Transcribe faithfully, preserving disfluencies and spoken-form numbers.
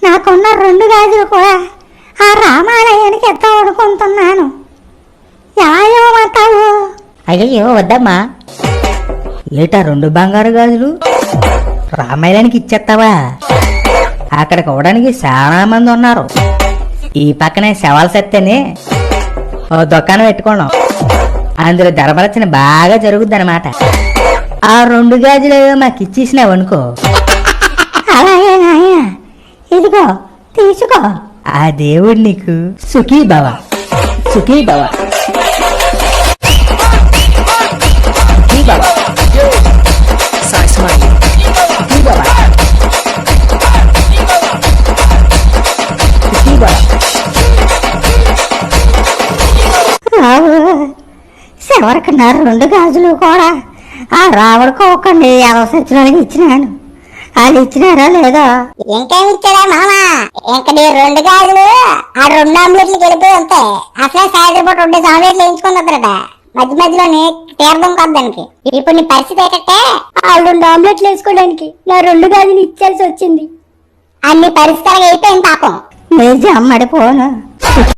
నాకున్న రెండు గాజులు కూడా ఆ రామాలయానికి ఎత్తాం అనుకుంటున్నాను. ఎలా ఇవ్వమంటావు? అయ్యో వద్దమ్మా. ఏటా రెండు బంగారు గాజులు రామాయణానికి ఇచ్చేస్తావా? అక్కడికి అవడానికి చాలా మంది ఉన్నారు. ఈ పక్కనే శవాల సత్తేనే ఓ దుకాణం పెట్టుకోవడం, అందులో ధర్మరచన బాగా జరుగుద్ది అనమాట. ఆ రెండు గాజులు మాకు ఇచ్చేసినావు అనుకో. అలాగే నాయన, ఇదిగో తీసుకో. ఆ దేవుడు నీకు సుఖీ భవ, సుఖీ భవ, సుఖీ భవ, సుఖీ భవ, సుఖీ భవ. రావు శివరికి నా రెండు గాజులు కూడా ఆ రావుడికి ఒకండి అవసరానికి ఇచ్చినాను. వాళ్ళు ఇచ్చినారా లేదా? ఇంకేమి ఇచ్చాడా మామ? ఇంక నీ రెండు గాజులు ఆ రెండు ఆమ్లెట్లు వెళ్ళిపోయి ఉంటాయి. అసలే సాయంత్రం పూట రెండు ఆమ్లెట్లు వేయించుకుందట. మధ్య మధ్యలోనే తీర్థం కాదు దానికి. ఇప్పుడు నీ పరిస్థితి ఏంటంటే ఆ రెండు ఆమ్లెట్లు వేసుకోవడానికి నా రెండు గాజులు ఇచ్చాల్సి వచ్చింది. అన్ని పరిస్థితులు అయిపోయింది పాపం. నిజం అమ్మడిపోను.